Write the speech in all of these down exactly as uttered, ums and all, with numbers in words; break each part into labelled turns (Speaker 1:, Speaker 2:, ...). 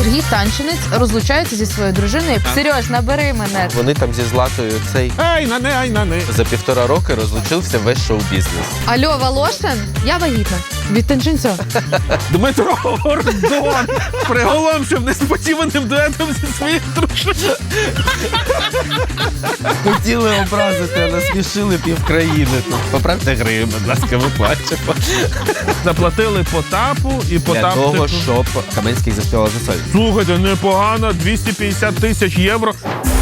Speaker 1: Сергій Танчинець розлучається зі своєю дружиною. Серьож, набери мене.
Speaker 2: Вони там зі Златою цей
Speaker 3: Ай, на не, ай, на не.
Speaker 2: за півтора роки розлучився весь шоу-бізнес.
Speaker 1: Алло, Волошин, я вагітна. Від Танчинця.
Speaker 3: Дмитро Гордон приголомшив несподіваним дуетом зі своєю дружиною.
Speaker 2: Хотіли образити, а насмішили півкраїни. Поправте гривень, будь ласка, ми плачемо.
Speaker 3: Заплатили Потапу і
Speaker 2: Для
Speaker 3: Потап...
Speaker 2: того,
Speaker 3: типу,
Speaker 2: щоб Каменський заспівав за соль.
Speaker 3: Слухайте, непогано, двісті п'ятдесят тисяч євро.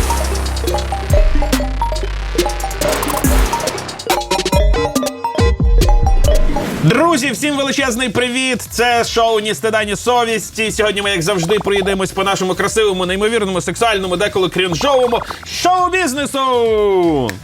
Speaker 3: Друзі, всім величезний привіт! Це шоу «Ні стида, ні совісті». Сьогодні ми, як завжди, проїдемось по нашому красивому, неймовірному, сексуальному, деколи крінжовому шоу-бізнесу!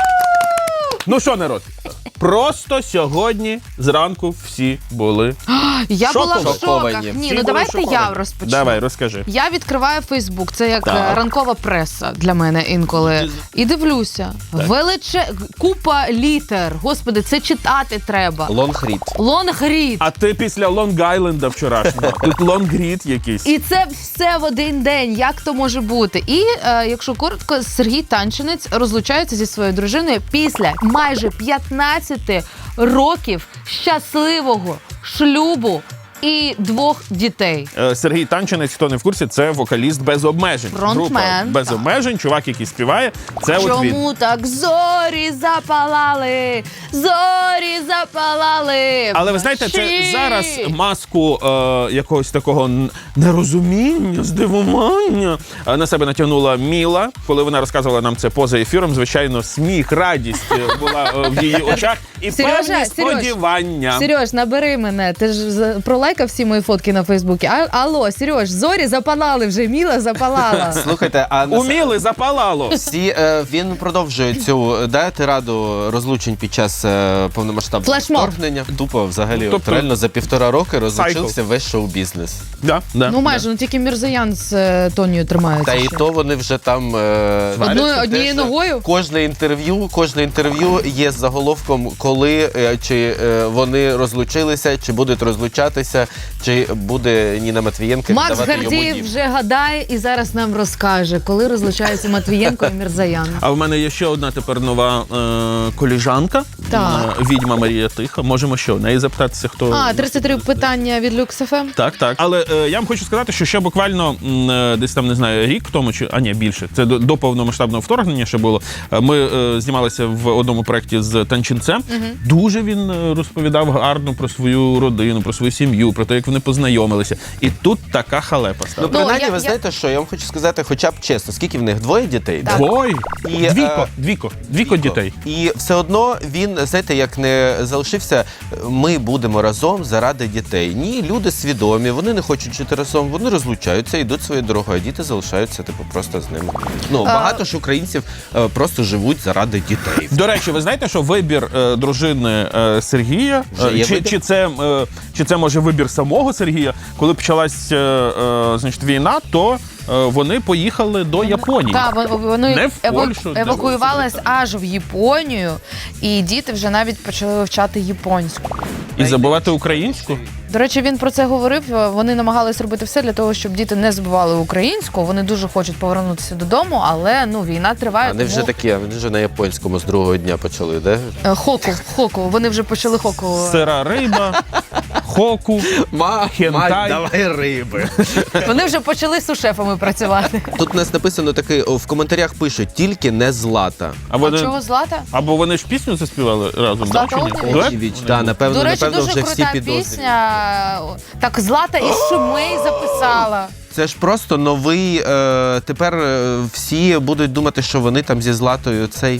Speaker 3: Ну що, народ, просто сьогодні зранку всі були
Speaker 1: Я була в шоках.
Speaker 2: Шоковані.
Speaker 1: Ні,
Speaker 3: Всі
Speaker 1: ну
Speaker 3: були
Speaker 1: давайте
Speaker 3: шоковані.
Speaker 1: я розпочну.
Speaker 3: Давай, розкажи.
Speaker 1: Я відкриваю Фейсбук, це як
Speaker 3: Так.
Speaker 1: е, ранкова преса для мене інколи. І дивлюся. Величе... Купа літер. Господи, це читати треба.
Speaker 2: Лонгрід.
Speaker 1: Лонгрід.
Speaker 3: А ти після Лонг-Айленда вчорашнього. Тут лонгрід якийсь.
Speaker 1: І це все в один день. Як то може бути? І, е, якщо коротко, Сергій Танчинець розлучається зі своєю дружиною після майже п'ятнадцяти років щасливого шлюбу і двох дітей.
Speaker 3: Е, Сергій Танчинець, хто не в курсі, це вокаліст без обмежень.
Speaker 1: Фронтмен,
Speaker 3: Група без
Speaker 1: так.
Speaker 3: обмежень, чувак, який співає. Це от він.
Speaker 1: Чому так зорі запалали, зорі запалали?
Speaker 3: Але ви знаєте, це
Speaker 1: вночі?
Speaker 3: зараз маску е, якогось такого н- нерозуміння, здивування е, на себе натягнула Міла, коли вона розказувала нам це поза ефіром. Звичайно, сміх, радість е, була е, в її очах і
Speaker 1: Сережа,
Speaker 3: певні
Speaker 1: Сереж,
Speaker 3: сподівання.
Speaker 1: Сереж, набери мене. Ти ж за- пролайкав всі мої фотки на Фейсбуці. А, алло, Сереж, зорі запалали вже, Міла запалала.
Speaker 2: Слухайте, а на
Speaker 3: У Міли запалало.
Speaker 2: всі, е, він продовжує цю да, тираду розлучень під час е, повномасштабного
Speaker 1: Флешмоб.
Speaker 2: вторгнення. Тупо взагалі,
Speaker 3: Тобто-
Speaker 2: от реально за півтора роки розлучився весь шоу-бізнес.
Speaker 3: Да, да,
Speaker 1: Ну майже, ну тільки Мірзоян з е, Тонію тримаються.
Speaker 2: Та і
Speaker 1: ще.
Speaker 2: то вони вже там е,
Speaker 1: Одною-
Speaker 2: сваряться
Speaker 1: однією
Speaker 2: теж.
Speaker 1: ногою?
Speaker 2: Кожне інтерв'ю, кожне інтерв'ю є з заголовком, коли е, чи е, вони розлучилися, чи будуть розлучатися, чи буде Ніна Матвієнко
Speaker 1: Макс
Speaker 2: віддавати йому
Speaker 1: Гордієв
Speaker 2: дім.
Speaker 1: вже гадає і зараз нам розкаже, коли розлучаються Матвієнко і Мірзоян.
Speaker 3: А в мене є ще одна тепер нова е, коліжанка.
Speaker 1: Так.
Speaker 3: Е, відьма Марія Тиха. Можемо що, в неї запитатися, хто...
Speaker 1: А, тридцять три питання від Люкс еф ем.
Speaker 3: Так, так. Але е, я вам хочу сказати, що ще буквально м, е, десь там, не знаю, рік тому, чи, а ні, більше, це до, до повномасштабного вторгнення ще було, е, ми е, знімалися в одному проєкті з Танчинцем. Угу. Дуже він е, розповідав гарно про свою родину, про свою сім'ю, про те, як вони познайомилися. І тут така халепа
Speaker 2: Ну,
Speaker 3: стала.
Speaker 2: принаймні,
Speaker 1: я-
Speaker 2: ви
Speaker 1: я-
Speaker 2: знаєте, що я вам хочу сказати, хоча б чесно, скільки в них двоє дітей?
Speaker 1: Так.
Speaker 2: да?
Speaker 3: Ой,
Speaker 2: І,
Speaker 3: двіко,
Speaker 2: е,
Speaker 3: двіко, двіко дітей.
Speaker 2: І все одно він, знаєте, як не залишився, ми будемо разом заради дітей. Ні, люди свідомі, вони не хочуть жити разом, вони розлучаються, йдуть своєю дорогою, а діти залишаються, типу, просто з ними. Ну, багато ж українців е, просто живуть заради дітей.
Speaker 3: До речі, ви знаєте, що вибір е, дружини е, Сергія,
Speaker 2: Вже
Speaker 3: е,
Speaker 2: є
Speaker 3: чи,
Speaker 2: вибір?
Speaker 3: чи, це, е, чи це може вибір самого Сергія, коли почалась е, е, значить, війна, то е, вони поїхали до Японії.
Speaker 1: Так, вон- вони
Speaker 3: Не в
Speaker 1: еваку-
Speaker 3: Польщу, не в
Speaker 1: евакуювались аж в Японію, і діти вже навіть почали вивчати японську.
Speaker 3: І забувати українську?
Speaker 1: До речі, він про це говорив. Вони намагались робити все для того, щоб діти не забували українську. Вони дуже хочуть повернутися додому, але ну війна триває.
Speaker 2: Вони вже
Speaker 1: тому-
Speaker 2: такі, вони вже на японському з другого дня почали, де?
Speaker 1: Е, Хоку, хоку. Вони вже почали хоку.
Speaker 3: Сира риба, хоку,
Speaker 2: Ма,
Speaker 3: Хентай.
Speaker 2: давай риби.
Speaker 1: Вони вже почали з сушефами працювати.
Speaker 2: Тут у нас написано таке, о, в коментарях пишуть, тільки не Злата.
Speaker 3: А
Speaker 1: А
Speaker 3: вони,
Speaker 1: чого Злата?
Speaker 3: або вони ж пісню заспівали разом, да,
Speaker 1: Злата
Speaker 3: чи ні?
Speaker 1: Огнєвіч?
Speaker 3: Дует?
Speaker 2: Огнєвіч, да, напевно,
Speaker 1: До речі,
Speaker 2: напевно
Speaker 1: дуже
Speaker 2: вже всі
Speaker 1: крута
Speaker 2: підозрюють.
Speaker 1: пісня. Так, Злата із Шумей записала.
Speaker 2: Це ж просто новий, е, тепер е, всі будуть думати, що вони там зі Златою цей...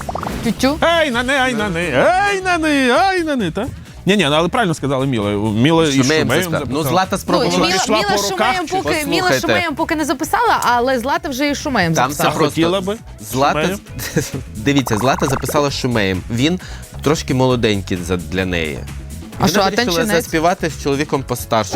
Speaker 1: Тютю.
Speaker 3: Ей, на не, ай, на не, ей, на не, ай, на не, та? Ні-ні, ну, але правильно сказала Міла. Міла і
Speaker 2: Шумеєм
Speaker 3: Шумеєм
Speaker 2: заспів- Ну,
Speaker 3: записала.
Speaker 2: Злата
Speaker 1: Ну,
Speaker 2: спробувала.
Speaker 3: Вона
Speaker 1: Міла,
Speaker 3: пішла
Speaker 1: Міла,
Speaker 3: по
Speaker 1: з
Speaker 3: руках,
Speaker 1: Шумеєм
Speaker 3: чи-
Speaker 1: поки, Міла з
Speaker 2: Послухайте.
Speaker 1: Шумеєм поки не записала, але Злата вже і з Шумеєм
Speaker 2: Там
Speaker 1: записала.
Speaker 2: це просто...
Speaker 3: Хотіла би
Speaker 2: Злата,
Speaker 3: Шумеєм?
Speaker 2: дивіться, Злата записала з Шумеєм. Він трошки молоденький за- для неї.
Speaker 1: А
Speaker 2: Вона
Speaker 1: що, а
Speaker 2: вирішила
Speaker 1: Танчинець?
Speaker 2: заспівати з чоловіком постарше.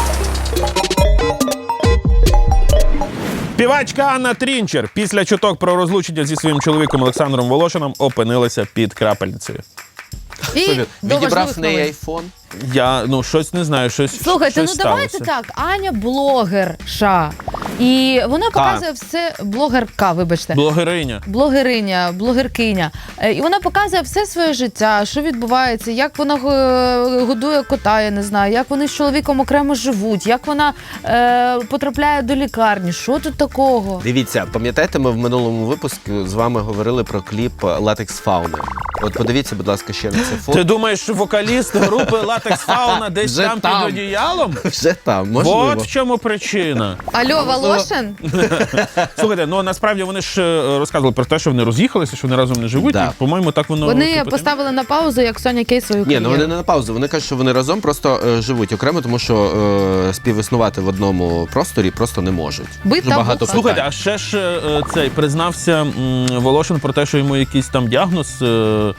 Speaker 3: Співачка Анна Трінчер після чуток про розлучення зі своїм чоловіком Олександром Волошином опинилася під крапельницею.
Speaker 1: І
Speaker 2: Що він?
Speaker 1: до
Speaker 2: Відібрав
Speaker 1: важливих
Speaker 2: в неї
Speaker 1: новин.
Speaker 2: айфон?
Speaker 3: Я, ну, щось не знаю, щось
Speaker 1: Слухайте,
Speaker 3: щось
Speaker 1: ну
Speaker 3: сталося.
Speaker 1: давайте так. Аня блогерша. І вона показує все. Блогерка, вибачте.
Speaker 3: Блогериня.
Speaker 1: Блогериня, блогеркиня. Е, І вона показує все своє життя, що відбувається, як вона е, годує кота, я не знаю, як вони з чоловіком окремо живуть, як вона е, потрапляє до лікарні. Що тут такого?
Speaker 2: Дивіться, пам'ятаєте, ми в минулому випуску з вами говорили про кліп «Латекс Фауни». От подивіться, будь ласка, ще на це фото.
Speaker 3: Ти думаєш, що вокаліст групи «Латекс Фауна» десь
Speaker 2: Вже
Speaker 3: там,
Speaker 2: там.
Speaker 3: під одіялом?
Speaker 2: Вже там, можливо.
Speaker 3: От в чому причина.
Speaker 1: Алло, Волошин?
Speaker 3: Слухайте, ну насправді вони ж е, розказували про те, що вони роз'їхалися, що вони разом не живуть.
Speaker 2: Да.
Speaker 3: І, по-моєму, так воно...
Speaker 1: Вони
Speaker 3: типу,
Speaker 1: поставили на паузу, як Соня Кей свою
Speaker 2: Ні,
Speaker 1: кар'єру.
Speaker 2: ну вони не на паузу. Вони кажуть, що вони разом просто е, живуть окремо, тому що е, співіснувати в одному просторі просто не можуть.
Speaker 1: Бит
Speaker 2: Дуже
Speaker 1: та
Speaker 2: багато
Speaker 1: буха.
Speaker 3: Слухайте,
Speaker 2: питань.
Speaker 3: а ще ж е, цей признався м, Волошин про те, що йому якийсь там діагноз е,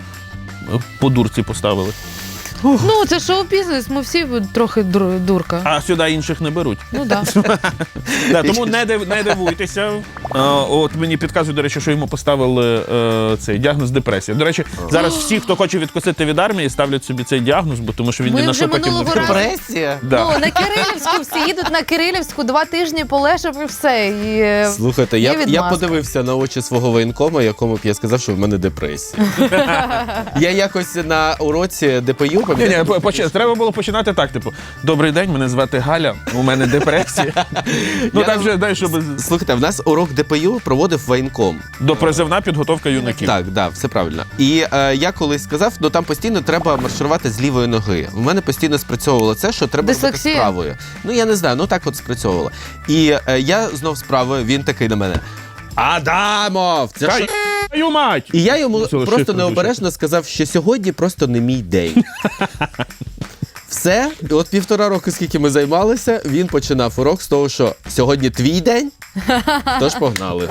Speaker 3: по дурці поставили.
Speaker 1: Ну, це шоу-бізнес, ми всі трохи дур- дурка.
Speaker 3: А сюди інших не беруть.
Speaker 1: Ну так.
Speaker 3: Да, тому не, див, не дивуйтеся. А, от мені підказують, до речі, що йому поставили е, цей діагноз депресія. До речі, зараз всі, хто хоче відкосити від армії, ставлять собі цей діагноз, бо тому що він
Speaker 1: Ми
Speaker 3: ні на
Speaker 1: вже
Speaker 3: що потім не
Speaker 1: минулого
Speaker 3: впливає.
Speaker 1: разу-
Speaker 2: Депресія?
Speaker 3: Да.
Speaker 1: Ну, на Кирилівську всі їдуть на Кирилівську, два тижні полежав і все. І, е,
Speaker 2: Слухайте,
Speaker 1: є
Speaker 2: я, я
Speaker 1: відмазка.
Speaker 2: подивився на очі свого воєнкома, якому б я сказав, що в мене депресія. Я якось на уроці ДПЮ,
Speaker 3: Ні, ні,
Speaker 2: пам'ятаєте?
Speaker 3: по- поч- треба було починати так, типу, добрий день, мене звати Галя, у мене депресія. Ну
Speaker 2: Я-
Speaker 3: так вже, дай, щоб
Speaker 2: Слухайте, в нас урок ДПЮ проводив воєнком.
Speaker 3: допризивна підготовка юнаків.
Speaker 2: Так, да, все правильно. І е, я колись сказав, ну там постійно треба марширувати з лівої ноги. У мене постійно спрацьовувало це, що треба робити з
Speaker 1: Дислексія?
Speaker 2: правою. Ну я не знаю, ну так от спрацьовувало. І е, я знов з правою, він такий на мене. Адамов! Це
Speaker 3: Та
Speaker 2: що?
Speaker 3: й- твою мать!
Speaker 2: І я йому
Speaker 3: Цього
Speaker 2: просто
Speaker 3: шифру
Speaker 2: необережно сказав, що сьогодні просто не мій день. Все, і от півтора року, скільки ми займалися, він починав урок з того, що сьогодні твій день, тож погнали.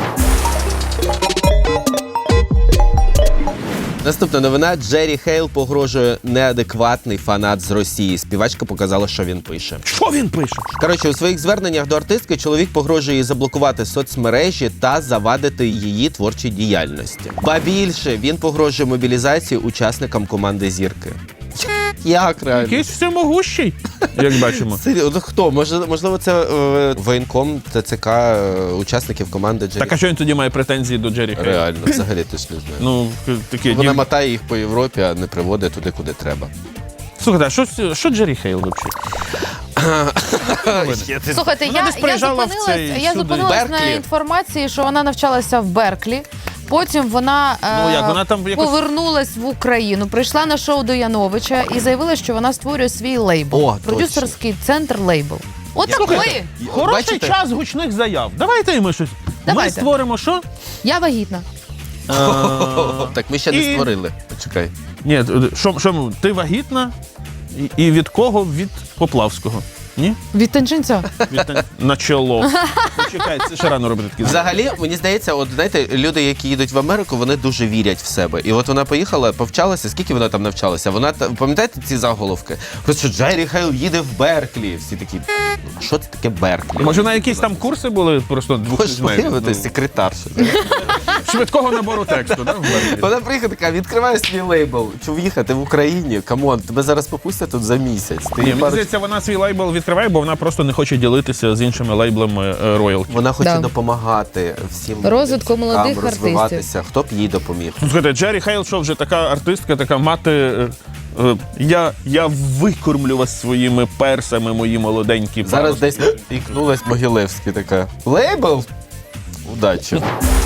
Speaker 2: Наступна новина. Джері Хейл погрожує неадекватний фанат з Росії. Співачка показала, що він пише.
Speaker 3: Що він пише?
Speaker 2: Коротше, у своїх зверненнях до артистки чоловік погрожує їй заблокувати соцмережі та завадити її творчій діяльності. Ба більше, він погрожує мобілізації учасникам команди «Зірки». Як реально?
Speaker 3: Якийсь всемогущий, як бачимо.
Speaker 2: Серйозно, ну хто? Може, можливо, це е, воєнком ТЦК е, учасників команди Джері.
Speaker 3: Так, а що він тоді має претензії до Джері Хейла?
Speaker 2: Реально, взагалі ти ж не знаєш.
Speaker 3: Ну, такі
Speaker 2: Вона
Speaker 3: дів...
Speaker 2: мотає їх по Європі, а не приводить туди, куди треба.
Speaker 3: Слухайте, а що, з- що Джері Хейл взагалі?
Speaker 1: Слухайте,
Speaker 3: Вона
Speaker 1: я,
Speaker 3: десь
Speaker 1: я
Speaker 3: приїжджала в
Speaker 1: зупинилась,
Speaker 3: цей
Speaker 1: я
Speaker 3: сюди.
Speaker 1: зупинилась на
Speaker 2: Берклі?
Speaker 1: інформації, що вона навчалася в Берклі. Потім вона,
Speaker 3: Ну,
Speaker 1: е,
Speaker 3: як, вона там якось-
Speaker 1: повернулась в Україну, прийшла на шоу до Яновича і заявила, що вона створює свій лейбл.
Speaker 2: О,
Speaker 1: продюсерський центр лейбл. От так ми.
Speaker 3: Хороший
Speaker 2: Бачите?
Speaker 3: час гучних заяв. Давайте і ми щось.
Speaker 1: Давайте.
Speaker 3: Ми створимо що?
Speaker 1: Я вагітна.
Speaker 2: Так, ми ще не
Speaker 3: І-
Speaker 2: створили. Почекай.
Speaker 3: Ні, що, що ми- ти вагітна? І, і від кого? Від Поплавського. Ні?
Speaker 1: Від танчинця.
Speaker 3: Від, тан- на чоло. Почекай, це ще рано робити такі.
Speaker 2: Взагалі, мені здається, от знаєте, люди, які їдуть в Америку, вони дуже вірять в себе. І от вона поїхала, повчалася. Скільки вона там навчалася? Вона та- пам'ятаєте ці заголовки? Просто Джері Хейл їде в Берклі. Всі такі, що це таке Берклі?
Speaker 3: Може, на якісь там курси були просто двох
Speaker 2: Можеш виявити секретарша.
Speaker 3: швидкого набору тексту, да? в Берклі?
Speaker 2: Вона приїхала така, відкриває свій лейбл. Чув їхати в Україні? Камон, тебе зараз попустять тут за місяць. Ти
Speaker 3: Ні, мені
Speaker 2: пару-
Speaker 3: здається, вона свій лейбл відкриває, бо вона просто не хоче ділитися з іншими лейблами е, роялті.
Speaker 2: Вона хоче
Speaker 1: Да.
Speaker 2: допомагати всім
Speaker 1: Розвитку
Speaker 2: музикантам
Speaker 1: молодих
Speaker 2: розвиватися. Хто б їй допоміг?
Speaker 3: Слухайте, Джері Хейл, що вже така артистка, така мати. е, е, Я, я викормлю вас своїми персами, мої молоденькі.
Speaker 2: Зараз
Speaker 3: паростки.
Speaker 2: десь ікнулась Могилевський така. Лейбл? Удачі.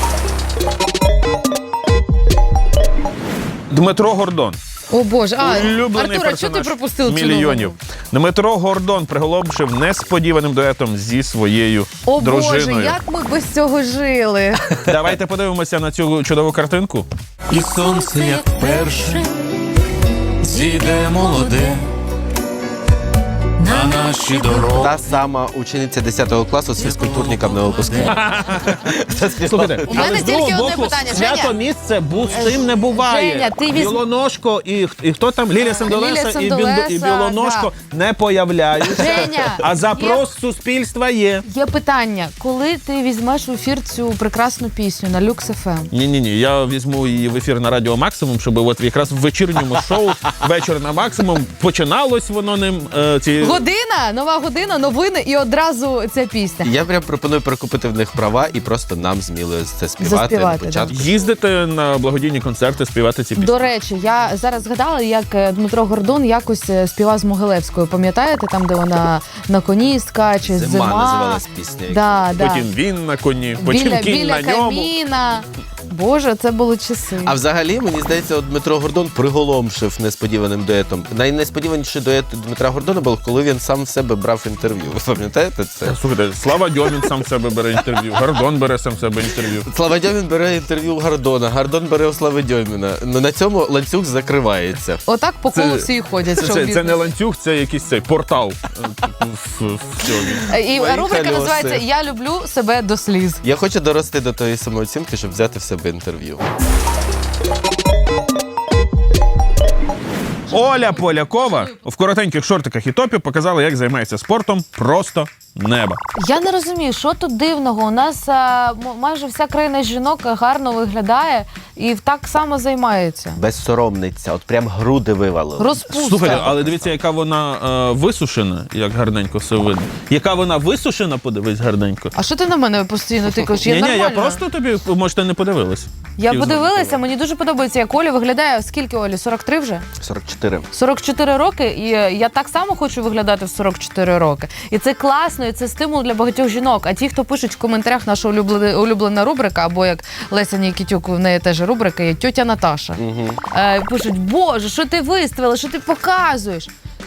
Speaker 3: Дмитро Гордон.
Speaker 1: О Боже, а,
Speaker 3: Улюблений
Speaker 1: Артур, а що ти
Speaker 3: персонаж
Speaker 1: пропустив цю
Speaker 3: мільйонів.
Speaker 1: новину?
Speaker 3: Дмитро Гордон приголомшив несподіваним дуетом зі своєю
Speaker 1: О
Speaker 3: дружиною.
Speaker 1: Боже, як ми без цього жили.
Speaker 3: Давайте подивимося на цю чудову картинку.
Speaker 4: І сонце, як перше, зійде молоде
Speaker 3: на наші дороги.
Speaker 2: Та сама учениця десятого класу з фізкультурником на випуску.
Speaker 3: Слухайте,
Speaker 1: У мене
Speaker 3: але з
Speaker 1: тільки
Speaker 3: другого
Speaker 1: одне
Speaker 3: боку,
Speaker 1: питання. Женя.
Speaker 3: свято місце бустим не буває.
Speaker 1: Женя, ти візь-
Speaker 3: Білоножко і, і хто там? Лілія Сандолеса, і, Біндо- і
Speaker 1: Сандолеса,
Speaker 3: Білоножко не появляються.
Speaker 1: Женя,
Speaker 3: А запрос суспільства є.
Speaker 1: Є питання, коли ти візьмеш в ефір цю прекрасну пісню на Люкс еф ем?
Speaker 3: Ні-ні-ні, я візьму її в ефір на Радіо Максимум, щоб от якраз в вечірньому шоу «Вечір на Максимум» починалось воно ним. Е, ці...
Speaker 1: Година, нова година, новини і одразу ця пісня.
Speaker 2: Я прям пропоную перекупити в них права і просто нам з Мілою це співати
Speaker 1: Заспівати,
Speaker 2: на початку.
Speaker 3: Їздити на благодійні концерти, співати ці пісні.
Speaker 1: До речі, я зараз згадала, як е, Дмитро Гордон якось е, співав з Могилевською. Пам'ятаєте, там, де вона на коні скаче, зима.
Speaker 2: Зима називалась пісня.
Speaker 1: Да, да.
Speaker 3: Потім він на коні, потім
Speaker 1: Біля,
Speaker 3: кінь
Speaker 1: біля
Speaker 3: на ньому.
Speaker 1: каміна. Боже, це були часи.
Speaker 2: А взагалі, мені здається, от Дмитро Гордон приголомшив несподіваним дуетом. Найнесподіваніший дует Дмитра Гордона був, коли він сам в себе брав інтерв'ю. Ви пам'ятаєте це?
Speaker 3: Слухайте, Слава Дьомін сам в себе бере інтерв'ю, Гордон бере сам в себе інтерв'ю.
Speaker 2: Слава Дьомін бере інтерв'ю у Гордона, Гордон бере у Слави Дьоміна. Ну на цьому ланцюг закривається.
Speaker 1: Отак по колу
Speaker 3: Це-
Speaker 1: всі і ходять.
Speaker 3: Це,
Speaker 1: шоу
Speaker 3: це, це не
Speaker 1: бізнесу.
Speaker 3: ланцюг, це якийсь цей портал. е, в- в- в цьому.
Speaker 1: І
Speaker 2: Мої
Speaker 1: рубрика
Speaker 2: колеса.
Speaker 1: називається «Я люблю себе до сліз».
Speaker 2: Я хочу дорости до тої самооцінки, щоб взяти в себе інтерв'ю.
Speaker 3: Оля Полякова в коротеньких шортиках і топі показала, як займається спортом просто неба.
Speaker 1: Я не розумію, що тут дивного. У нас а, м- майже вся країна жінок гарно виглядає і так само займається.
Speaker 2: Безсоромниця, от прям груди вивалили.
Speaker 1: Розпуста.
Speaker 3: Слухайте, але дивіться, яка вона е, висушена, як гарненько все видно. Яка вона висушена, подивись гарненько.
Speaker 1: А що ти на мене постійно тикаєш? Я
Speaker 3: Ні, ні, я
Speaker 1: нормально.
Speaker 3: просто тобі, можете, не подивилась.
Speaker 1: Я
Speaker 3: Хотів
Speaker 1: подивилася,
Speaker 3: знати.
Speaker 1: мені дуже подобається, як Оля виглядає. Скільки Олі? сорок три вже?
Speaker 2: сорок чотири.
Speaker 1: сорок чотири роки, і я так само хочу виглядати в сорок чотири роки. І це класно, і це стимул для багатьох жінок. А ті, хто пишуть в коментарях наша улюблена, улюблена рубрика, або як Леся Нікітюк, в неї теж рубрика є «Тьотя Наташа».
Speaker 2: Угу.
Speaker 1: Е, пишуть: Боже, що ти виставила, що ти показуєш?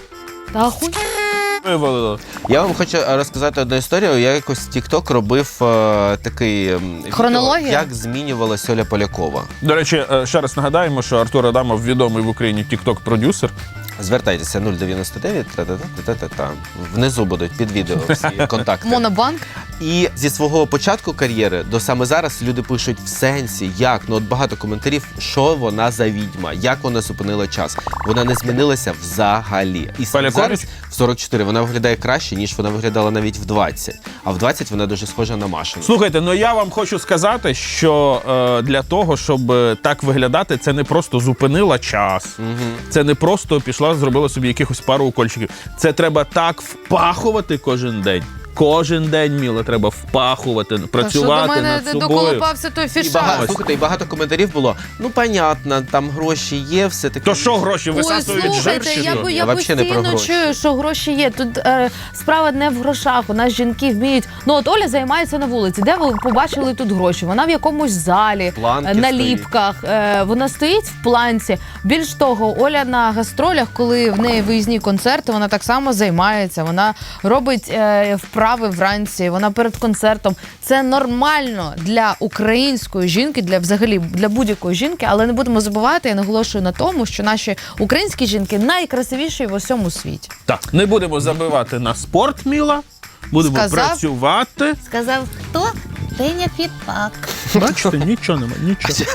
Speaker 1: Та хуй.
Speaker 3: Вивалило.
Speaker 2: Я вам хочу розказати одну історію. Я якось в TikTok робив е, такий ем, відео,
Speaker 1: Хронологія?
Speaker 2: як змінювалась Оля Полякова.
Speaker 3: До речі, е, ще раз нагадаємо, що Артур Адамов відомий в Україні тік-ток-продюсер.
Speaker 2: Звертайтеся нуль дев'яносто дев'ять, та-та-та-та-та-та. Внизу будуть під відео всі контакти.
Speaker 1: Монобанк.
Speaker 2: І зі свого початку кар'єри до саме зараз люди пишуть в сенсі, як, ну от багато коментарів, що вона за відьма, як вона зупинила час. Вона не змінилася взагалі. І саме
Speaker 3: Полякович?
Speaker 2: зараз в сорок чотири вона виглядає краще, ніж вона виглядала навіть в двадцять. А в двадцять вона дуже схожа на Машину.
Speaker 3: Слухайте, ну я вам хочу сказати, що е, для того, щоб е, так виглядати, це не просто зупинила час, це не просто пішла, зробила собі якихось пару укольчиків. Це треба так впахувати кожен день. Кожен день, Міла, треба впахувати, працювати
Speaker 1: Що до мене
Speaker 3: над собою.
Speaker 1: доколупався той
Speaker 2: І
Speaker 1: фішак?
Speaker 2: багато, слухайте, і багато коментарів було, ну, понятно, там гроші є, все таке.
Speaker 3: То що гроші
Speaker 1: Ой,
Speaker 3: висасують жир
Speaker 1: слухайте,
Speaker 3: чи
Speaker 1: я,
Speaker 3: що?
Speaker 1: по-
Speaker 2: Я
Speaker 1: я
Speaker 2: вообще не про
Speaker 1: постійно
Speaker 2: гроші.
Speaker 1: чую, що гроші є. Тут е, справа не в грошах. У нас жінки вміють. Ну от Оля займається на вулиці. Де ви побачили тут гроші? Вона в якомусь залі,
Speaker 2: Планки
Speaker 1: е, на ліпках. Е, вона стоїть в планці. Більш того, Оля на гастролях, коли в неї виїзні концерти, вона так само займається. Вона робить е, вправи вранці. Вона перед концертом. Це нормально для української жінки, для взагалі для будь-якої жінки, але не будемо забувати, я наголошую на тому, що наші українські жінки найкрасивіші в усьому світі.
Speaker 3: Так, не будемо забивати на спорт, Міла. Будемо
Speaker 1: Сказав?
Speaker 3: працювати.
Speaker 1: Сказав хто? Деня Фітпак.
Speaker 3: Бачите, нічого немає, нічого.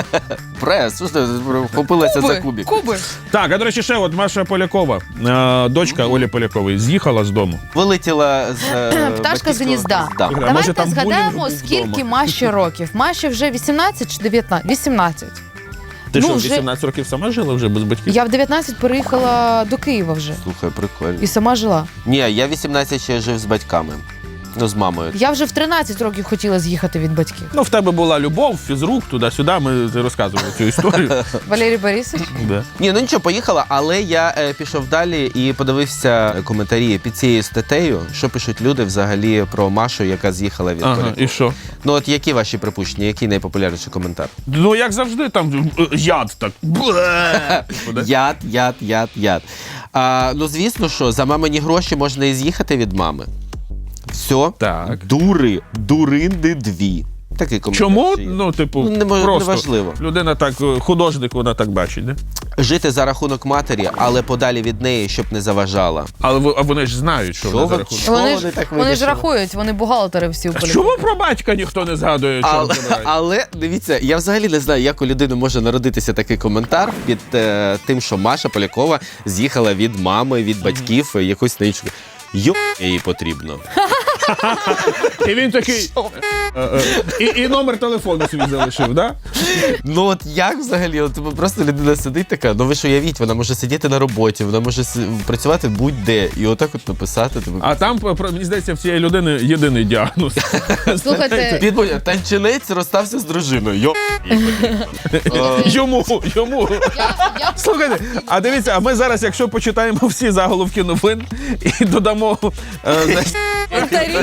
Speaker 2: Прес, слухайте, вхопилася за кубик.
Speaker 1: Куби.
Speaker 3: Так, а до речі, ще от Маша Полякова, е, дочка Олі Полякової, з'їхала з дому.
Speaker 2: Вилетіла з е,
Speaker 1: Пташка з
Speaker 2: батьківського
Speaker 1: гнізда.
Speaker 2: гнізда.
Speaker 3: Може,
Speaker 1: Давайте
Speaker 3: там булінг
Speaker 1: згадаємо,
Speaker 3: був
Speaker 1: скільки
Speaker 3: вдома.
Speaker 1: Маші років. Маші вже вісімнадцять чи дев'ятнадцять? вісімнадцять.
Speaker 3: Ти
Speaker 1: Ну,
Speaker 3: що,
Speaker 1: вже-
Speaker 3: вісімнадцять років сама жила вже без батьків?
Speaker 1: Я в дев'ятнадцять переїхала до Києва вже.
Speaker 2: Слухай, прикольно.
Speaker 1: І сама жила.
Speaker 2: Ні, я вісімнадцять ще жив з батьками. Ну, з мамою.
Speaker 1: Я вже в тринадцять років хотіла з'їхати від батьків.
Speaker 3: Ну, в тебе була любов, фізрук, туди-сюди, ми ти розказували цю історію.
Speaker 1: Валерій Борисович?
Speaker 3: Да.
Speaker 2: Ні, ну нічого, поїхала, але я е, пішов далі і подивився коментарі під цією статтею, що пишуть люди взагалі про Машу, яка з'їхала від
Speaker 3: Ага,
Speaker 2: Полякової.
Speaker 3: і що?
Speaker 2: Ну от які ваші припущення, який найпопулярніший коментар?
Speaker 3: Ну, як завжди, там е, яд так. Бле. Типу,
Speaker 2: Яд, яд, яд, яд. А, ну, звісно, що за мамині гроші можна і з'їхати від мами. Все.
Speaker 3: Так.
Speaker 2: Дури, дуринди дві. Такий коментар.
Speaker 3: Чому?
Speaker 2: ще є.
Speaker 3: Ну, типу,
Speaker 2: Ну, не мож-
Speaker 3: просто
Speaker 2: неважливо.
Speaker 3: людина так, е, художник, вона так бачить, да?
Speaker 2: Жити за рахунок матері, але подалі від неї, щоб не заважала.
Speaker 3: Але ви- а вони ж знають, що
Speaker 2: Що
Speaker 3: вона за
Speaker 2: ви-
Speaker 3: рахунок.
Speaker 2: Що
Speaker 1: Вони
Speaker 2: вони
Speaker 1: ж,
Speaker 2: так
Speaker 1: вони ж
Speaker 2: вирішили?
Speaker 1: рахують, вони бухгалтери всі у
Speaker 3: А
Speaker 1: полі.
Speaker 3: чому про батька ніхто не згадує, чорт
Speaker 2: Але,
Speaker 3: забирай?
Speaker 2: але дивіться, я взагалі не знаю, як у людини може народитися такий коментар під е, тим, що Маша Полякова з'їхала від мами, від батьків, mm-hmm. якусь на іншу. Йо, їй потрібно.
Speaker 3: І він такий. е, е, І, і номер телефону свій залишив, да?
Speaker 2: Ну от як взагалі? От типу, просто людина сидить така, ну ви ж уявіть, вона може сидіти на роботі, вона може с- працювати будь-де. І отак от написати. Типу,
Speaker 3: А там, про- мені здається, в цієї людини єдиний діагноз.
Speaker 1: Слухайте,
Speaker 2: Підбудь, танчинець розстався з дружиною. Йо, їй потрібно. Е,
Speaker 3: Йому, йому.
Speaker 1: я, я
Speaker 3: Слухайте, а дивіться, а ми зараз, якщо почитаємо всі заголовки новин і додамо е, знаєш,
Speaker 1: повторі.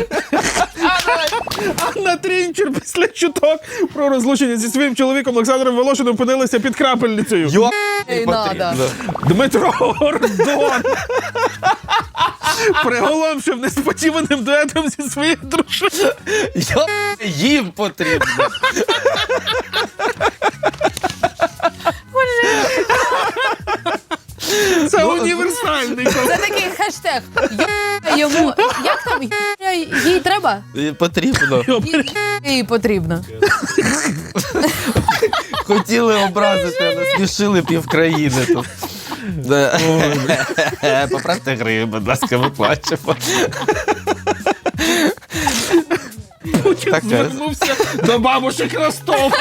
Speaker 3: Анна Трінчер після чуток про розлучення зі своїм чоловіком Олександром Волошиним опинилася під крапельницею.
Speaker 2: Йо, їй
Speaker 1: Ей,
Speaker 2: потрібно.
Speaker 1: надо.
Speaker 3: Дмитро Гордон приголомшив несподіваним дуетом зі своєю дружиною.
Speaker 2: Йо, їм потрібно.
Speaker 3: Це універсальний
Speaker 1: Це
Speaker 3: коментар.
Speaker 1: такий хештег. Йо- Йому. Як там? Йо- Їй треба?
Speaker 2: Їй потрібно.
Speaker 1: Їй- Їй потрібно.
Speaker 2: Хотіли образити, а насмішили півкраїни тут. Да. Поправте гри, будь ласка, ми плачемо.
Speaker 3: Путін
Speaker 2: Таке.
Speaker 3: звернувся до бабушек Ростова.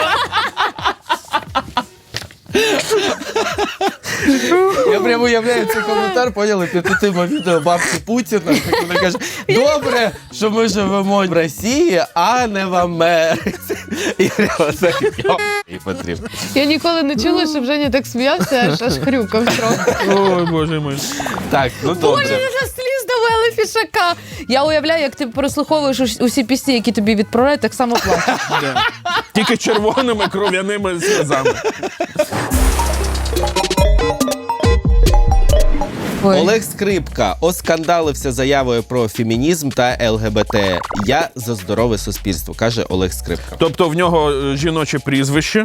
Speaker 2: Я прямо уявляю цей коментар, поняли, під тим відео бабки Путіна. як Вона каже, добре, що ми живемо в Росії, а не в Америці. І прямо так, йо, і потрібно.
Speaker 1: Я ніколи не чула, щоб Женя так сміявся, аж аж хрюкав трохи.
Speaker 3: Ой, боже мій.
Speaker 2: Так, ну добре.
Speaker 1: Боже, вже сліз довели фішака. Я уявляю, як ти прослуховуєш ус- усі пісні, які тобі відправляють, так само плачеш.
Speaker 3: Да. Тільки червоними кров'яними сльозами.
Speaker 1: Ой.
Speaker 2: Олег Скрипка оскандалився заявою про фемінізм та ЛГБТ. Я за здорове суспільство, каже Олег Скрипка.
Speaker 3: Тобто в нього е, жіноче прізвище,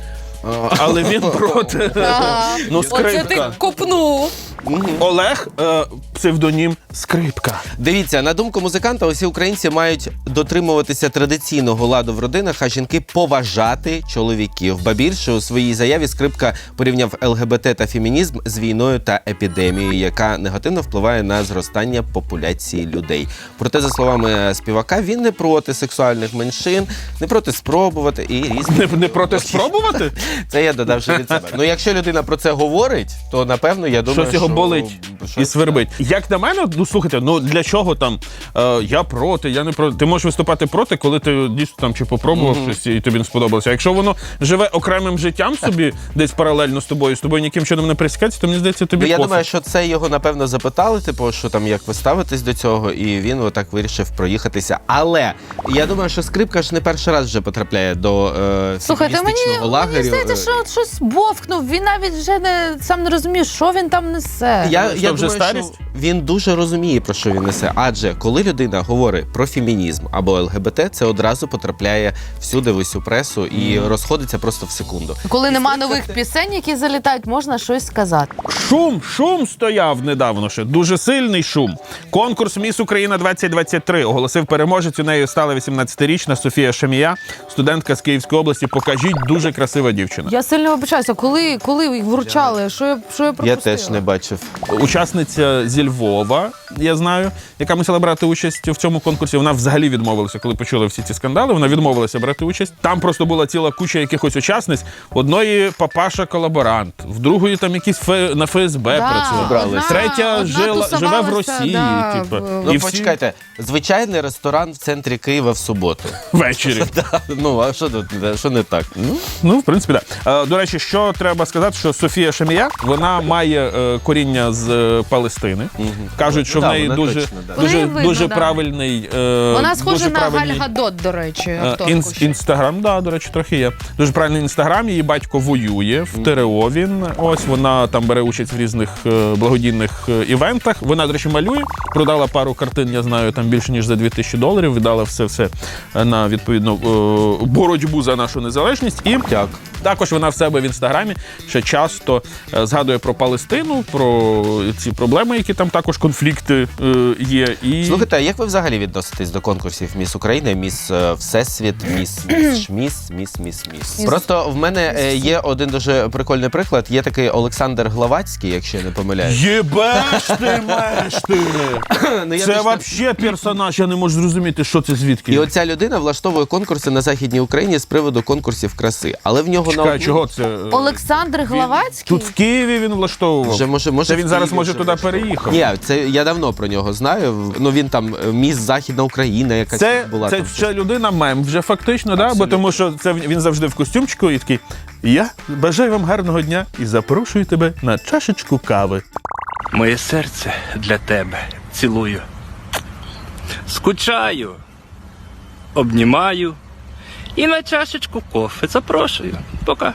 Speaker 3: але він проти.
Speaker 1: Ага.
Speaker 3: Ну,
Speaker 1: Оце ти
Speaker 3: скрипка.
Speaker 1: копнув.
Speaker 3: Олег, е, псевдонім Скрипка.
Speaker 2: Дивіться, на думку музиканта, усі українці мають дотримуватися традиційного ладу в родинах, а жінки поважати чоловіків. Ба більше, у своїй заяві Скрипка порівняв ЛГБТ та фемінізм з війною та епідемією, яка негативно впливає на зростання популяції людей. Проте, за словами співака, він не проти сексуальних меншин, не проти спробувати і різні.
Speaker 3: Не, не проти спробувати?
Speaker 2: Це я додав ще від себе. Ну, якщо людина про це говорить, то напевно я думаю,
Speaker 3: Щось його
Speaker 2: що...
Speaker 3: болить і
Speaker 2: щось-
Speaker 3: свербить. Як на мене, ну слухайте, ну для чого там е, я проти, я не проти. Ти можеш виступати проти, коли ти дійсно там чи попробував щось і тобі не сподобалося. А якщо воно живе окремим життям собі, десь паралельно з тобою, з тобою ніким чином не пересікається, то мені здається, тобі
Speaker 2: Ну, я
Speaker 3: пофіг.
Speaker 2: думаю, що це його напевно запитали, типу, що там як ви ставитесь до цього, і він отак вирішив проїхатися. Але я думаю, що Скрипка ж не перший раз вже потрапляє до е,
Speaker 1: Слухайте, мені,
Speaker 2: феміністичного лагерю.
Speaker 1: мені здається, що от щось бовкнув. Він навіть вже не сам не розуміє, що він там несе.
Speaker 2: Я,
Speaker 3: Що,
Speaker 2: я
Speaker 3: вже
Speaker 2: думаю,
Speaker 3: старість?
Speaker 2: що він дуже розуміє, про що він несе. Адже коли людина говорить про фемінізм або ЛГБТ, це одразу потрапляє всюди в усю пресу і розходиться просто в секунду.
Speaker 1: Коли нема нових пісень, які залітають, можна щось сказати.
Speaker 3: Шум, шум стояв недавно ще. Дуже сильний шум. Конкурс «Міс Україна двадцять двадцять три» оголосив переможець. У нею стала вісімнадцятирічна Софія Шамія, студентка з Київської області. Покажіть, дуже красива дівчина.
Speaker 1: Я сильно вибачаюся, коли, коли їх вручали, що я, що я пропустила?
Speaker 2: Я теж не бачив.
Speaker 3: Учасниця зі Львова, я знаю, яка мусила брати участь в цьому конкурсі. Вона взагалі відмовилася, коли почули всі ці скандали. Вона відмовилася брати участь. Там просто була ціла куча якихось учасниць. Одної папаша-колаборант, в другої там якийсь фе... на ФСБ
Speaker 1: Да,
Speaker 3: працював.
Speaker 2: Брали.
Speaker 1: одна-
Speaker 3: Третя
Speaker 1: одна
Speaker 3: жила, живе в
Speaker 1: тусувалася,
Speaker 3: Росії.
Speaker 1: да,
Speaker 3: типу.
Speaker 1: в-
Speaker 2: Ну,
Speaker 3: І всі
Speaker 2: почекайте, звичайний ресторан в центрі Києва в суботу.
Speaker 3: ввечері.
Speaker 2: Ну, а що тут, що не так?
Speaker 3: Ну, в принципі, да. Е, До речі, що треба сказати, що Софія Шамія, вона має е, коріння з е, Палестини. Кажуть, що
Speaker 2: Ну,
Speaker 3: в
Speaker 2: да,
Speaker 3: неї
Speaker 2: вона
Speaker 3: дуже,
Speaker 2: точно, да.
Speaker 3: дуже,
Speaker 1: В неї видно,
Speaker 3: дуже
Speaker 1: да.
Speaker 3: правильний... е,
Speaker 1: Вона схожа
Speaker 3: дуже
Speaker 1: на
Speaker 3: правильний,
Speaker 1: Галь Гадот, до речі,
Speaker 3: е,
Speaker 1: акторку
Speaker 3: інс-
Speaker 1: ще.
Speaker 3: Інстаграм, да, до речі, трохи є. Дуже правильний інстаграм, її батько воює в ТРО він. Ось вона там бере участь в різних е, благодійних е, івентах. Вона, до речі, малює, продала пару картин, я знаю, там більше ніж за дві тисячі доларів, віддала все-все на, відповідно, е, боротьбу за нашу незалежність. І
Speaker 2: Так.
Speaker 3: також вона в себе в інстаграмі ще часто е, згадує про Палестину, про ці проблеми, які там також конфлікти е, є. І...
Speaker 2: Слухайте, а як ви взагалі відноситесь до конкурсів Міс України, Міс е, Всесвіт, Міс Міс Шміс, Міс Міс Міс? Просто в мене е, є один дуже прикольний приклад. Є такий Олександр Главацький, якщо я не помиляюсь.
Speaker 3: Єбеш ти, меш ти!
Speaker 2: Ну, я
Speaker 3: Це
Speaker 2: точно-
Speaker 3: взагалі персонаж, я не можу зрозуміти, що це звідки.
Speaker 2: І оця людина влаштовує конкурси на Західній Україні з приводу конкурсів краси. Але в нього на
Speaker 3: Чекай,
Speaker 2: одну-
Speaker 3: чого це?
Speaker 1: Олександр Главацький?
Speaker 3: Тут в Києві він влаштовував.
Speaker 2: Вже може, може
Speaker 3: Це
Speaker 2: в
Speaker 3: він зараз
Speaker 2: Києві
Speaker 3: може
Speaker 2: вже
Speaker 3: туди
Speaker 2: влаштовує.
Speaker 3: переїхав.
Speaker 2: Ні, це я давно про нього знаю. Ну він там е, Міс Західна Україна, якась
Speaker 3: Це,
Speaker 2: була
Speaker 3: це
Speaker 2: там.
Speaker 3: ще людина мем, вже фактично, да? Бо тому що це він завжди в костюмчику і такий: я бажаю вам гарного дня і запрошую тебе на чашечку кави.
Speaker 4: Моє серце для тебе цілую. Скучаю, обнімаю і на чашечку кофе запрошую. Пока.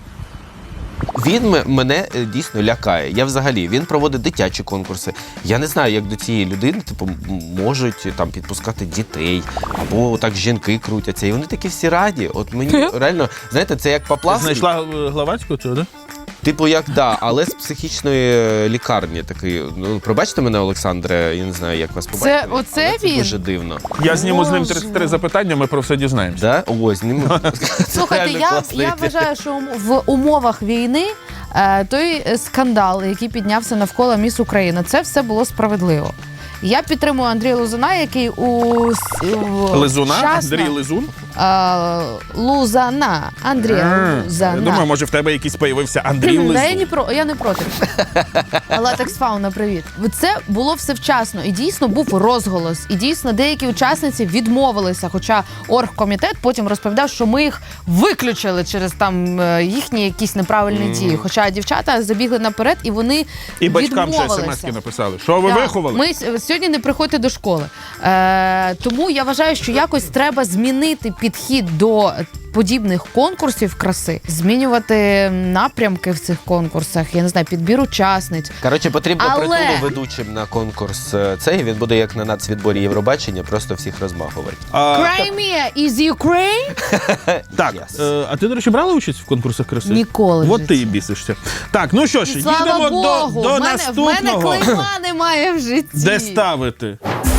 Speaker 2: Він м- мене е, дійсно лякає. Я взагалі він проводить дитячі конкурси. Я не знаю, як до цієї людини типу м- можуть е, там підпускати дітей, або так жінки крутяться. І вони такі всі раді. От мені реально, знаєте, це як Поплавський.
Speaker 3: Знайшла е, Главацького цього, да?
Speaker 2: Типу, як да, але з психічної е, лікарні такий. Ну, пробачте мене, Олександре, я не знаю, як вас побачити.
Speaker 1: Це оце
Speaker 2: але це
Speaker 1: він?
Speaker 2: дуже дивно.
Speaker 3: Я зніму з ним
Speaker 1: Боже.
Speaker 3: тридцять три запитання, ми про все дізнаємося.
Speaker 2: Да? Ось, ним...
Speaker 1: Слухайте, я, я вважаю, що ум- в умовах війни е, той е, скандал, який піднявся навколо Міс України, це все було справедливо. Я підтримую Андрія Лузуна, який у, с- у
Speaker 3: Лизуна?
Speaker 1: вчасно-
Speaker 3: Андрій Лизун?
Speaker 1: Е, Лузана. Андрія
Speaker 3: Я
Speaker 1: Лузана.
Speaker 3: думаю, може в тебе якийсь появився Андрій
Speaker 1: Да, я,
Speaker 3: Лизун.
Speaker 1: не про, я не проти. Латекс Фауна, привіт. Це було все вчасно. І дійсно був розголос. І дійсно деякі учасниці відмовилися. Хоча оргкомітет потім розповідав, що ми їх виключили через там е, їхні якісь неправильні дії. Хоча дівчата забігли наперед і вони
Speaker 3: І батькам ще
Speaker 1: відмовилися.
Speaker 3: смс-ки написали. Що ви
Speaker 1: Так.
Speaker 3: виховали?
Speaker 1: Ми с- сьогодні не приходьте до школи. Е, тому я вважаю, що якось треба змінити підхід до подібних конкурсів краси, змінювати напрямки в цих конкурсах. Я не знаю, підбір учасниць.
Speaker 2: Коротше, потрібно
Speaker 1: Але-
Speaker 2: притулу ведучим на конкурс е, цей. Він буде як на нацвідборі Євробачення, просто всіх розмахувати.
Speaker 3: А,
Speaker 1: Crimea is Ukraine?
Speaker 3: так,
Speaker 2: Yes.
Speaker 3: е, а ти, до речі, брала участь в конкурсах краси?
Speaker 1: Ніколи в
Speaker 3: От ти
Speaker 1: житті.
Speaker 3: і бісишся. Так, ну що ж,
Speaker 1: Слава
Speaker 3: їдемо
Speaker 1: Богу,
Speaker 3: до, до
Speaker 1: в мене, в
Speaker 3: наступного.
Speaker 1: мене клейма немає в житті.
Speaker 3: Де ставити?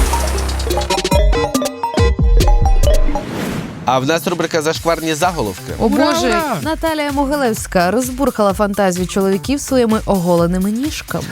Speaker 2: А в нас рубрика «Зашкварні заголовки».
Speaker 1: О
Speaker 3: Ура,
Speaker 1: Боже,
Speaker 3: ура!
Speaker 1: Наталія Могилевська розбурхала фантазію чоловіків своїми оголеними ніжками.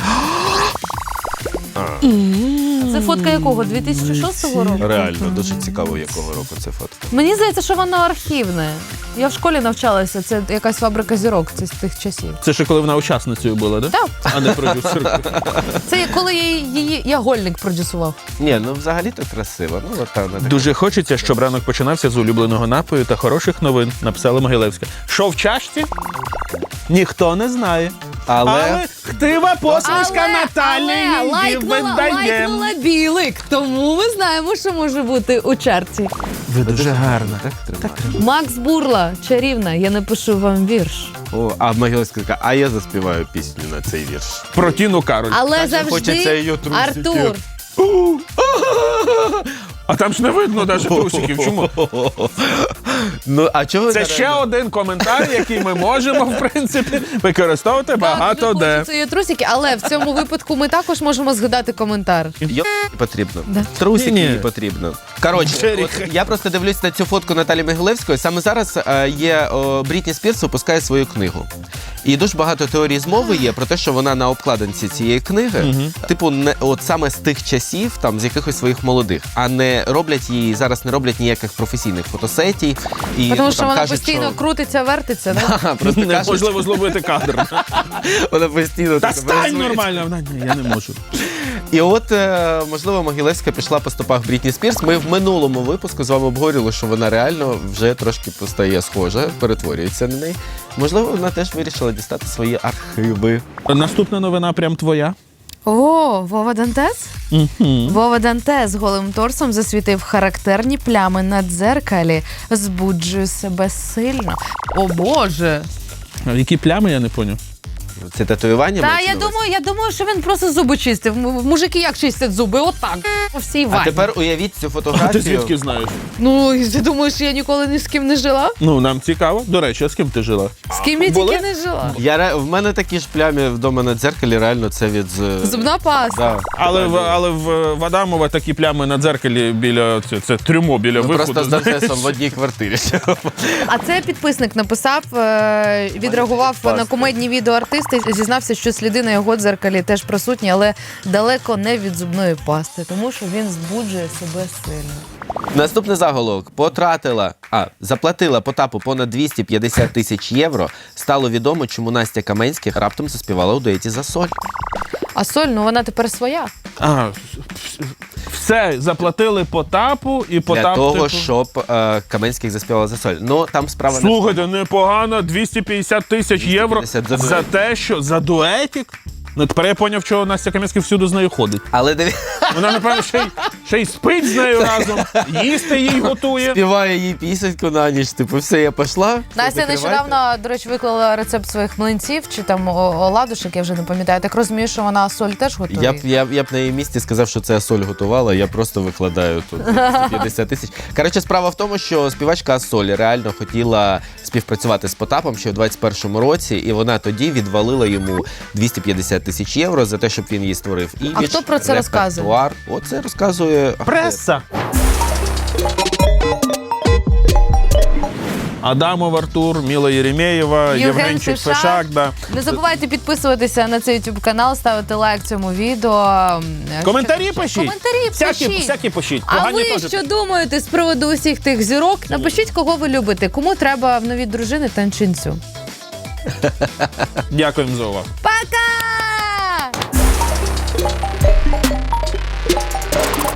Speaker 1: Це фотка якого? дві тисячі шостого року?
Speaker 2: Реально, дуже цікаво, якого року це фотка.
Speaker 1: Мені здається, що воно архівне. Я в школі навчалася, це якась фабрика зірок це з тих часів.
Speaker 3: Це ще коли вона учасницею була, да?
Speaker 1: Так.
Speaker 3: А не продюсеркою.
Speaker 1: Це коли я її я гольник продюсував.
Speaker 2: Ні, ну взагалі-то красиво. Ну, от там, вона така.
Speaker 3: Дуже хочеться, щоб ранок починався з улюбленого напою та хороших новин, написала Могилевська. Що в чашці? Ніхто не знає.
Speaker 2: Але...
Speaker 3: Але хтива посмішка Наталі її
Speaker 1: лайкнула,
Speaker 3: видає.
Speaker 1: лайкнула білик, тому ми знаємо, що може бути у чарці.
Speaker 3: Ви дуже гарна.
Speaker 2: Так треба.
Speaker 1: Макс Бурла, чарівна, я напишу вам вірш.
Speaker 2: О, а Могилевська така, а я заспіваю пісню на цей вірш.
Speaker 3: Про Тіну Кароль.
Speaker 1: Але
Speaker 2: Так же хочеться
Speaker 1: завжди
Speaker 2: її трусики.
Speaker 1: Артур.
Speaker 3: А там ж не видно навіть трусиків. Чому?
Speaker 2: Ну, а чого ви
Speaker 3: Це
Speaker 2: зараз-
Speaker 3: ще один коментар, який ми можемо, в принципі, використовувати багато
Speaker 1: Так, дуже
Speaker 3: де.
Speaker 1: хочеться її трусики, але в цьому випадку ми також можемо згадати коментар.
Speaker 2: Йо потрібно.
Speaker 1: Да.
Speaker 2: Трусики
Speaker 3: Ні-ні.
Speaker 2: їй потрібно. Коротше,
Speaker 3: Джеріха.
Speaker 2: от я просто дивлюсь на цю фотку Наталі Могилевської. Саме зараз е, є о, Брітні Спірс випускає свою книгу. І дуже багато теорій змови є про те, що вона на обкладинці цієї книги, типу, не от саме з тих часів, там з якихось своїх молодих, а не роблять її зараз, не роблять ніяких професійних фотосетій. І
Speaker 1: Тому
Speaker 2: ну,
Speaker 1: що
Speaker 2: там
Speaker 1: вона
Speaker 2: кажуть,
Speaker 1: постійно
Speaker 2: що...
Speaker 1: крутиться, вертиться. Да?
Speaker 2: Ха, просто кажуть,
Speaker 3: Неможливо зловити кадр.
Speaker 2: вона постійно
Speaker 3: Та
Speaker 2: так
Speaker 3: стань
Speaker 2: розвивається.
Speaker 3: нормально. Вона, ні, я не можу.
Speaker 2: І от, е, можливо, Могилевська пішла по стопах Брітні Спірс. Ми в минулому випуску з вами обговорювали, що вона реально вже трошки постає схожа, перетворюється на неї. Можливо, вона теж вирішила дістати свої архиви.
Speaker 3: Наступна новина прям твоя.
Speaker 1: О, Вова Дантес?
Speaker 3: Угу.
Speaker 1: Вова Дантес голим торсом засвітив характерні плями на дзеркалі. Збуджує себе сильно. О Боже!
Speaker 3: Які плями, я не поняв.
Speaker 2: Це татуювання?
Speaker 1: Та
Speaker 2: мається
Speaker 1: я
Speaker 2: на увазі?
Speaker 1: думаю, я думаю, що він просто зуби чистив. М- Мужики як чистять зуби? Отак. По всій
Speaker 2: А
Speaker 1: ванні.
Speaker 2: тепер уявіть цю
Speaker 3: А ти
Speaker 2: фотографію.
Speaker 3: звідки знаєш?
Speaker 1: Ну, і ти думаєш, що я ніколи ні з ким не жила?
Speaker 3: Ну, нам цікаво. До речі, а з ким ти жила?
Speaker 1: З ким я
Speaker 3: Були?
Speaker 1: тільки не жила?
Speaker 2: Я, ре- в мене такі ж плямі вдома на дзеркалі, реально це від... з-
Speaker 1: Зубна паста.
Speaker 2: Да.
Speaker 3: Але в, але в в Адамова такі плями на дзеркалі біля це, це трюмо біля
Speaker 2: Ми
Speaker 3: виходу.
Speaker 2: просто з Дантесом в одній квартирі.
Speaker 1: А це підписник написав, е, відреагував на кумедні відео артиста і зізнався, що сліди на його дзеркалі теж присутні, але далеко не від зубної пасти, тому що він збуджує себе сильно.
Speaker 2: Наступний заголовок. Потратила, а, заплатила Потапу понад двісті п'ятдесят тисяч євро. Стало відомо, чому Настя Каменських раптом заспівала у дуеті за соль.
Speaker 1: А соль, ну вона тепер своя.
Speaker 3: А, все, заплатили Потапу і Потап...
Speaker 2: Для того,
Speaker 3: типу...
Speaker 2: щоб е, Каменських заспівала за соль. Ну, там справа
Speaker 3: Слухайте, непогано, двісті п'ятдесят тисяч євро
Speaker 2: двісті п'ятдесят за
Speaker 3: за
Speaker 2: дуетик.
Speaker 3: те, що за дуетик. Ну, тепер я поняв, чого Настя Кам'янська всюди з нею ходить.
Speaker 2: Але диві...
Speaker 3: Вона, напевно, ще й, ще й спить з нею разом, їсти їй готує.
Speaker 2: співає їй пісеньку на ніч. Типу, все, я пішла. все,
Speaker 1: Настя
Speaker 2: закривайте.
Speaker 1: нещодавно, до речі, виклала рецепт своїх млинців чи там о- оладушек, я вже не пам'ятаю. Так розумію, що вона соль теж готує.
Speaker 2: Я б, я, б- я б на її місці сказав, що це Асоль готувала, я просто викладаю тут двісті п'ятдесят тисяч. Коротше, справа в тому, що співачка Асоль реально хотіла співпрацювати з Потапом ще у двадцять першому році, і вона тоді відвалила йому двісті п'ятдесят тисяч євро за те, щоб він їй створив імідж,
Speaker 1: А хто про це розказує?
Speaker 2: репертуар. Оце розказує
Speaker 3: Преса. Адамов Артур, Міла Єремєєва,
Speaker 1: Євген
Speaker 3: Євгенчик
Speaker 1: Фешак.
Speaker 3: Фешак. Да.
Speaker 1: Не забувайте підписуватися на цей YouTube канал, ставити лайк цьому відео.
Speaker 3: Коментарі
Speaker 1: Що-
Speaker 3: пишіть.
Speaker 1: Коментарі
Speaker 3: Всякі,
Speaker 1: пишіть.
Speaker 3: всякі пишіть.
Speaker 1: А
Speaker 3: Погані
Speaker 1: ви
Speaker 3: теж.
Speaker 1: що думаєте з приводу усіх тих зірок? Напишіть, кого ви любите, кому треба в нові дружини танчинцю.
Speaker 3: Дякуємо за увагу.
Speaker 1: Пока!